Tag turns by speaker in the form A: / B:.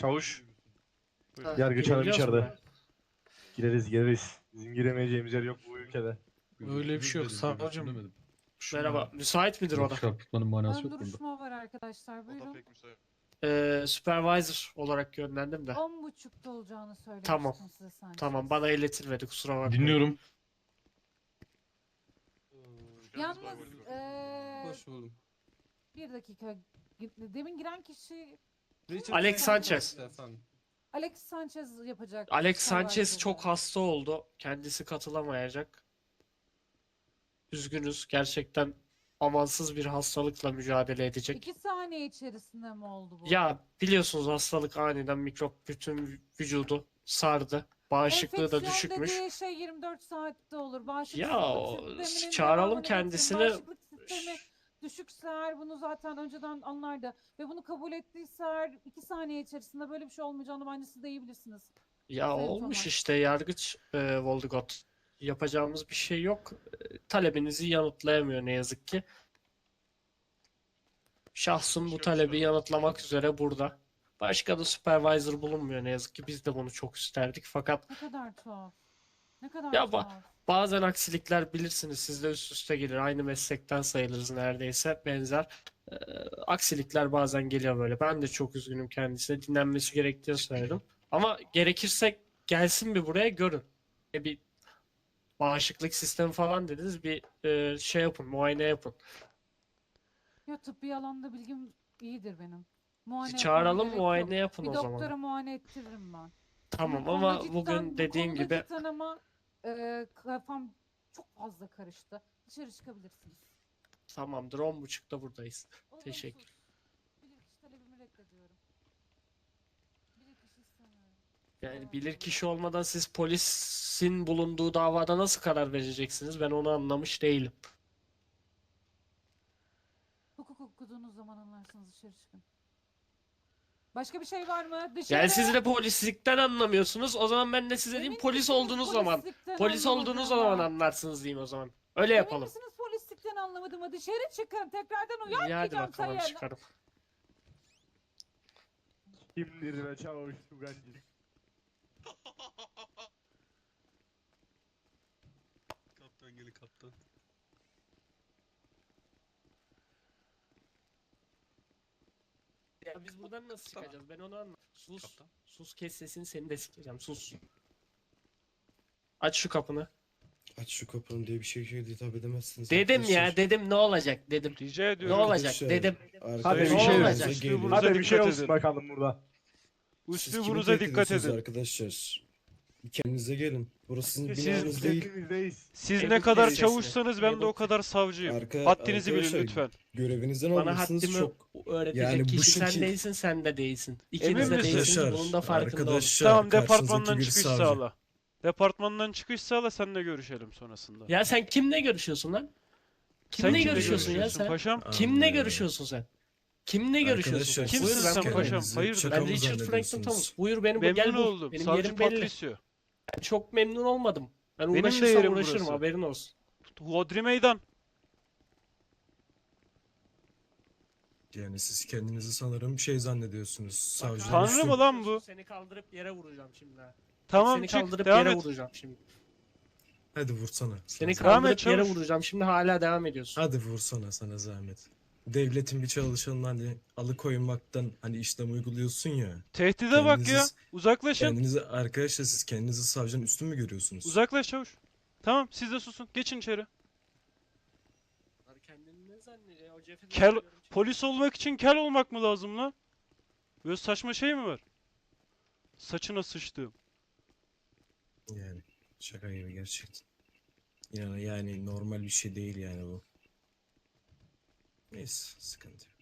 A: Çavuş.
B: Ha,
A: Yargıç hanım
B: girebiliyoruz mu
A: içeride. Gireriz. Bizim giremeyeceğimiz yer yok bu ülkede.
B: Öyle bir şey yok, savcım.
C: Demedim.
B: Merhaba. Müsait midir o da?
C: Çarpıtmanın manası
D: Ön
C: yok bunda.
D: duruşma var arkadaşlar. Buyurun.
B: Supervisor olarak gönderdim de.
D: 10.30'da olacağını söylemiştim
B: Tamam.
D: size Sanchez.
B: Tamam, bana iletilmedi, kusura bakmayın.
C: Dinliyorum.
D: Yalnız
E: Hoş buldum.
D: bir dakika. Demin giren kişi
B: Alex Sanchez.
E: Efendim.
D: Alex Sanchez yapacak.
B: Alex Sanchez
D: Supervisor'ı.
B: çok hasta oldu. Kendisi katılamayacak. Üzgünüz. Gerçekten amansız bir hastalıkla mücadele edecek.
D: 2 saniye içerisinde mi oldu bu?
B: Ya biliyorsunuz, hastalık aniden mikrop bütün vücudu sardı. Bağışıklığı da
D: Enfeksiyon
B: düşükmüş.
D: dediği şey 24 saatte olur. Bağışıklık
B: Ya
D: sisteminin
B: çağıralım
D: devamını
B: kendisini.
D: getirin. Bağışıklık sistemi düşükse eğer bunu zaten önceden anlardı. Ve bunu kabul ettiyse eğer 2 saniye içerisinde böyle bir şey olmayacağını bence siz de iyi bilirsiniz.
B: Ya
D: Sayın
B: olmuş
D: Thomas.
B: işte yargıç Voldemort. Yapacağımız bir şey yok. Talebinizi yanıtlayamıyor ne yazık ki. Şahsım bu talebi yanıtlamak üzere burada. Başka da supervisor bulunmuyor ne yazık ki. Biz de bunu çok isterdik. Fakat
D: Ne kadar tuhaf. Ne kadar
B: Ya
D: tuhaf.
B: bazen aksilikler bilirsiniz, sizde üst üste gelir. Aynı meslekten sayılırız neredeyse, benzer. Ee, Aksilikler bazen geliyor böyle. Ben de çok üzgünüm kendisine. Dinlenmesi gerektiğini söyledim. Ama gerekirse gelsin bir buraya görün. Bir bağışıklık sistemi falan dediniz. Bir şey yapın, muayene yapın.
D: Ya tıbbi alanda bilgim iyidir benim. Muayene
B: Çağıralım,
D: yapmama gerek
B: muayene
D: yok.
B: yapın
D: Bir
B: o
D: doktora
B: zaman.
D: muayene ettiririm ben.
B: Tamam
D: Bu
B: ama
D: konuda
B: bugün
D: cidden-
B: dediğim
D: bu konuda
B: gibi
D: cidden ama kafam çok fazla karıştı. Dışarı çıkabilirsiniz.
B: tamamdır, 10.30'da buradayız.
D: Olumsuz.
B: Teşekkür.
D: Bilirkişi talebimi reddediyorum. Bilirkişi istemiyorum.
B: Yani bilirkişi olmadan siz polisin bulunduğu davada nasıl karar vereceksiniz? Ben onu anlamış değilim.
D: Hukuk okuduğunuz zaman anlarsınız, dışarı çıkın. Başka bir şey var mı? Dışarı.
B: Yani siz de polislikten anlamıyorsunuz. O zaman ben de size diyeyim,
D: Emin
B: polis
D: misiniz
B: olduğunuz zaman.
D: polislikten
B: Polis olduğunuz zaman
D: anlamadığıma?
B: anlarsınız diyeyim o zaman. Öyle
D: Emin
B: yapalım.
D: misiniz polislikten anlamadığımı? Dışarı çıkın. Tekrardan
B: İyi, hadi
D: uyarmayacağım
B: bakalım,
D: sayın.
B: çıkarım.
A: Kimdir be çavuş Tugancı?
E: Kaptan gelin kaptan.
B: Ya biz buradan nasıl çıkacağız? Ben onu anlamadım. Sus.
E: Kaptan.
B: Sus, kes sesini, seni de sikeceğim. Sus. Aç şu kapını.
F: Aç şu kapını diye bir şey hitap edemezsiniz.
B: Dedim ya,
F: arkadaşlar.
B: dedim ne olacak dedim.
G: Rica
B: Ne
G: ediyorum.
B: olacak
F: Arkadaşlar,
B: dedim.
A: Hadi bir
B: Ne
A: şey
B: olacak?
A: olsun.
F: gelin.
G: Hadi
A: Hadi bir şey
G: dikkat
A: olsun
G: edin.
A: bakalım burada.
F: Siz kimi
G: Üslubunuza
F: tehdit
G: dikkat
F: ediyorsunuz
G: edin.
F: Arkadaşlar. Bir kendinize gelin. Burası sizin
G: Siz-
F: binanız değil.
A: Hepimizdeyiz.
G: Siz
B: Ebru
G: ne kadar
B: teyzesine.
G: çavuşsanız ben de o kadar savcıyım. Haddinizi bilin
F: arkadaşlar,
G: lütfen.
F: Görevinizden
B: Bana
F: olursunuz
B: haddimi
F: çok.
B: öğretecek
F: Yani bu
B: kişi sen
F: şekil-
B: değilsin, sen de değilsin.
G: Emin
B: İkiniz de
G: misiniz?
B: değilsiniz, bunun da farkında olun.
F: Arkadaşlar,
G: Tamam,
F: karşınızdaki
G: departmandan
F: bir
G: çıkış
F: savcı.
G: sağla. Departmandan çıkış sağla, seninle görüşelim sonrasında.
B: Ya sen kimle görüşüyorsun lan?
G: Sen
B: Kimle görüşüyorsun ya sen?
G: paşam?
B: Kimle
F: Anlıyorum.
B: görüşüyorsun sen? Kimle görüşüyorsun sen?
F: Arkadaşlar,
G: Kimsin
B: Buyur,
F: siz
B: ben
G: sen
B: buradayım.
G: paşam? Hayırdır?
F: şaka
B: Ben
F: mı
B: Richard Franklin
F: zannediyorsunuz?
B: Thomas. Buyur beni
G: Memnun
B: gel bul.
G: oldum.
B: Benim
G: Savcı
B: yerim belli.
G: Patricio.
B: Ben çok memnun olmadım. Ben
G: Benim de
B: uğraşırsam
G: yerim
B: uğraşırım,
G: burası.
B: haberin olsun.
G: Hodri meydan.
F: Yani siz kendinizi sanırım şey zannediyorsunuz. Savcı.
G: Tanrı mı lan bu?
B: Seni kaldırıp yere vuracağım şimdi ha.
G: Tamam,
B: Seni
G: çık.
B: kaldırıp
G: Devam
B: yere
G: et.
B: vuracağım şimdi.
F: Hadi vursana.
B: Seni
F: Sana-
G: Devam et,
B: kaldırıp yere
G: çavuş.
B: vuracağım şimdi, hala devam ediyorsun.
F: Hadi vursana sana zahmet. Devletin bir çalışanını hani alıkoymaktan hani işlem uyguluyorsun ya.
G: Tehdide bak ya.
F: Kendinizi-
G: Uzaklaşın.
F: Kendinizi arkadaşlar siz kendinizi savcının üstün mü görüyorsunuz?
G: Uzaklaş çavuş. Tamam, siz de susun. Geçin içeri.
B: Kendini ne zannediyor? O cephede
G: Kel,
B: görüyorum şimdi.
G: polis olmak için kel olmak mı lazım lan? Böyle saçma şey mi var? Saçına sıçtığım.
F: Yani şaka gibi gerçekten. Yani normal bir şey değil yani bu. Neyse sıkıntı yok.